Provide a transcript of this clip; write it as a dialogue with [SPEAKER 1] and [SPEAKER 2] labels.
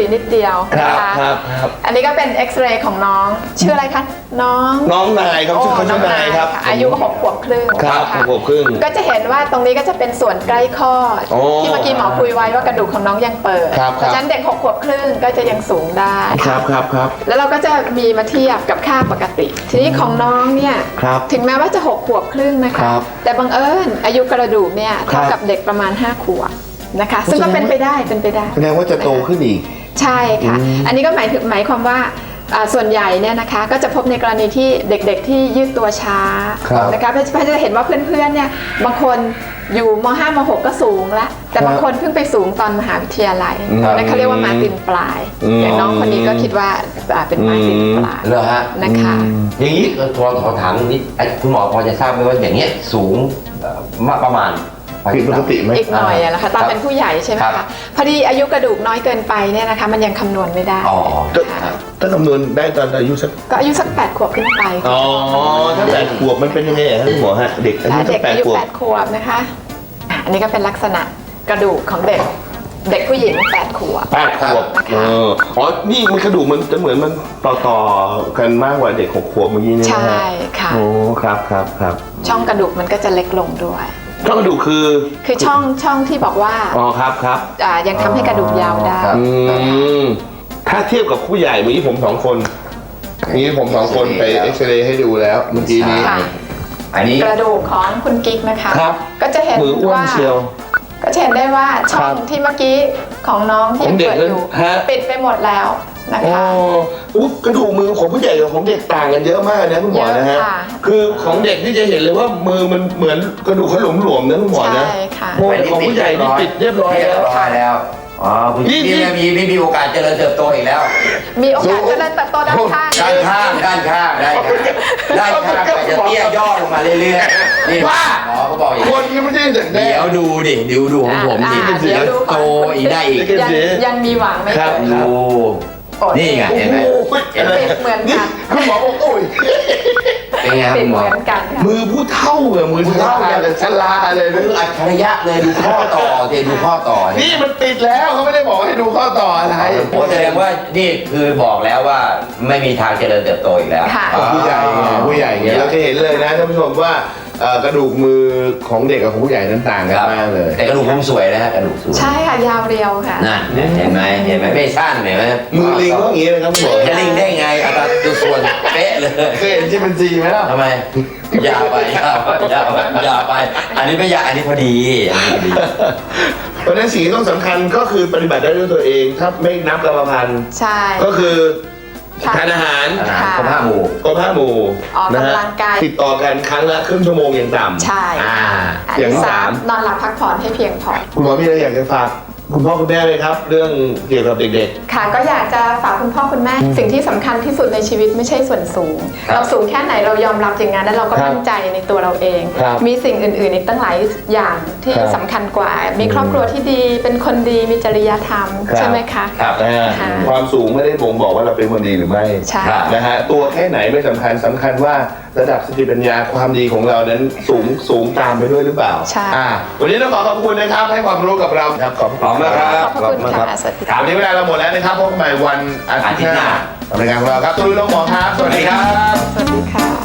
[SPEAKER 1] นิดเดียวนะคะอันนี้ก็เป็นเอ็กซเรย์ของน้องชื่ออะไรคะน้อง
[SPEAKER 2] นายครับชื่อเขาชื่อนายครับ
[SPEAKER 1] อายุ6 ขวบครึ่ง
[SPEAKER 2] ครับ6 ขวบครึ่ง
[SPEAKER 1] ก็จะเห็นว่าตรงนี้ก็จะเป็นส่วนใกล้คลอดที่เมื่อกี้หมอคุยไว้ว่ากระดูกของน้องยังเปิดเพราะฉะนั้นเด็ก6 ขวบครึ่งก็จะยังสูงได้
[SPEAKER 2] ครับ
[SPEAKER 1] แล้วเราก็จะมีมาเทียบกับค่าปกติทีนี้ของน้องเนี่ยถึงแม้ว่าจะ6 ขวบครึ่งนะคะแต่บังเอิญอายุกระดูกเนี่ยเท่ากับเด็กประมาณ5 ขวบนะคะซึ่งก็เป็นไปได้
[SPEAKER 2] แสดงว่าจะโตขึ้นอีก
[SPEAKER 1] ใช่ค่ะอันนี้ก็หมายความว่าส่วนใหญ่เนี่ยนะคะก็จะพบในกรณีที่เด็กๆที่ยืดตัวช้านะคะเพราะจะเห็นว่าเพื่อนๆเนี่ยบางคนอยู่ม.5 ม.6 ก็สูงแล้วแต่บางคนเพิ่งไปสูงตอนมหาวิทยาลัยนั่นเขาเรียกว่ามาตินปลายอย่างน้องคนนี้ก็คิดว่าเป็นมาตินปลาย
[SPEAKER 3] เหรอฮะ
[SPEAKER 1] นะคะ
[SPEAKER 3] อย่างนี้ขอถามนิดคุณหมอพอจะทราบไหมว่าอย่างเงี้ยสูงประมาณ
[SPEAKER 2] ผิดปกติไหม
[SPEAKER 1] อีกหน่อยอะนะคะตอนเป็นผู้ใหญ่ใช่ไหมคะพอดีอายุกระดูกน้อยเกินไปเนี่ยนะคะมันยังคำนวณไม่ได้
[SPEAKER 2] ถ้าคำนวณได้ตอนอายุสัก
[SPEAKER 1] ก็อายุสัก8 ขวบขึ้นไป
[SPEAKER 2] ถ้า8 ขวบมันเป็นยังไงครับคุณหมอฮะเด็กอายุ
[SPEAKER 1] 8 ขวบนะคะอันนี้ก็เป็นลักษณะกระดูกของเด็กผู้หญิง8 ขวบ
[SPEAKER 2] นี่มันกระดูกมันจะเหมือนมันต่อกันมากกว่าเด็ก6 ขวบเมื่อกี้นี่นะ
[SPEAKER 1] ใช่ค่ะ
[SPEAKER 2] ครับ
[SPEAKER 1] ช่องกระดูกมันก็จะเล็กลงด้วย
[SPEAKER 2] ช่องกระดูกคือ
[SPEAKER 1] ช่องที่บอกว่า
[SPEAKER 2] ครับ
[SPEAKER 1] ยังทำให้กระดูกยาวได้
[SPEAKER 2] ถ้าเทียบกับผู้ใหญ่เมื่อกี้ผม2 คนผม2 คนไปเอ็กซเรย์ให้ดูแล้วเมื่อกี้นี้
[SPEAKER 3] อันนี้
[SPEAKER 1] กระดูกของคุณกิ๊กนะคะก็จะเห็นว่าก็จะเห็นได้ว่าช่องที่เมื่อกี้ของน้องที่ยังเปิดอยู่ปิดไปหมดแล้วนะคะ
[SPEAKER 2] กระดูกมือของผู้ใหญ่กับของเด็กต่างกันเยอะมากนะคุณหมอนะฮะคือของเด็กที่จะเห็นเลยว่ามือมันเหมือนกระดูกเขาหลวมๆนะคุณหมอนะของผู้ใหญ่นี่ปิดเรียบร้อย
[SPEAKER 3] แล้วคุณพี่มีโอกาสเจริญเติบโตอีกแล้ว
[SPEAKER 1] มีโอกาสเจริญเติบโตด้านข้าง
[SPEAKER 3] ได้จะเตี้ยย่อลงมาเรื่อยๆนี่ว่าหมอเขาบอกอย่างนี้
[SPEAKER 2] คนนี้ไม่ใช่เด็กเ
[SPEAKER 3] ดี๋ยวดูดิดูของผมดิเดี๋ยวโตอีกได้อีก
[SPEAKER 1] ยังมีหวังไหมครับ
[SPEAKER 3] ดูนี่ไงเห็นไหม
[SPEAKER 1] เหมือนกัน
[SPEAKER 2] คุณหมอบอกโอ้ย
[SPEAKER 3] เป็นไงคุณหมอ
[SPEAKER 2] มือผู้เท่าเลยมือเท่าอย่างชลาเลย
[SPEAKER 3] มืออัจฉริยะเลยดูข้อต่อดูข้อต่อ
[SPEAKER 2] นี่มันติดแล้วเขาไม่ได้บอกให้ดูข้อต่ออะไร
[SPEAKER 3] แสดงว่านี่คือบอกแล้วว่าไม่มีทางเจริญเติบโตอีกแล้ว
[SPEAKER 2] ผู้ใหญ่เนี่ยเราจะเห็นเลยนะท่านผู้ชมว่ากระดูกมือของเด็กกับของผู้ใหญ่นั้นต่างกันมากเลย
[SPEAKER 3] แต่กระดูกผมสวยนะฮะกระดูกสวย
[SPEAKER 1] ใช่ค่ะยาวเรียวค่ะ
[SPEAKER 3] นั่นเห็นไหมไม่สั้นเห็นไหม
[SPEAKER 2] มือลิงก็อย่างนี้เลยครับคุณหมอ
[SPEAKER 3] จะลิงได้ไงอัตราส่วนเป๊ะเลย
[SPEAKER 2] เคยเห็นที่มันจีไหมล่ะ
[SPEAKER 3] ทำไมยาวไปอันนี้ไม่ยาวอันนี้พอดี
[SPEAKER 2] เพราะนั้นสิ่งที่ต้องสำคัญก็คือปฏิบัติได้ด้วยตัวเองถ้าไม่นับกรรมพันธุ์
[SPEAKER 1] ใช่
[SPEAKER 2] ก็คือทานอาหาร
[SPEAKER 3] ครบ 5 หมู่
[SPEAKER 1] ออกกำลังกาย
[SPEAKER 2] ติดต่อกันครั้งละครึ่งชั่วโมงอย่างต่ำ
[SPEAKER 1] ใช่
[SPEAKER 2] อย่างที่
[SPEAKER 1] 3นอนหลับพักผ่อนให้เพียงพอ
[SPEAKER 2] คุณหมอมีอะไรอยากจะฝากคุณพ่อคุณแม่เลยครับเรื่องเกี่ยวกับเด็ก
[SPEAKER 1] ๆค่ะก็อยากจะฝากคุณพ่อคุณแม่สิ่งที่สำคัญที่สุดในชีวิตไม่ใช่ส่วนสูงเราสูงแค่ไหนเรายอมรับอย่างนั้นแล้วเราก็มั่นใจในตัวเราเองมีสิ่งอื่นๆอีกตั้งหลายอย่างที่สำคัญกว่ามีครอบครัวที่ดีเป็นคนดีมีจริยธรรมใช่ไหมคะ
[SPEAKER 2] ความสูงไม่ได้บ่งบอกว่าเราเป็นคนดีหรือไม่นะฮะตัวแค่ไหนไม่สำคัญว่าระดับสติปัญญาความดีของเรานั้นสูงตามไปด้วยหรือเปล่าวันนี้ต้องขอบคุณนะครับให้ความรู้กับเราครับขอบคุณมากครับ
[SPEAKER 1] ขอบคุณค่ะสวัสดี
[SPEAKER 2] ครับวันนี้เวลาเราหมดแล้วนะครับพบกันใหม่วันอาทิตย์หน้ารายการของเราครับตุ้ยน้องหมอครับสวัสดีครับ
[SPEAKER 1] สวัสดีค่ะ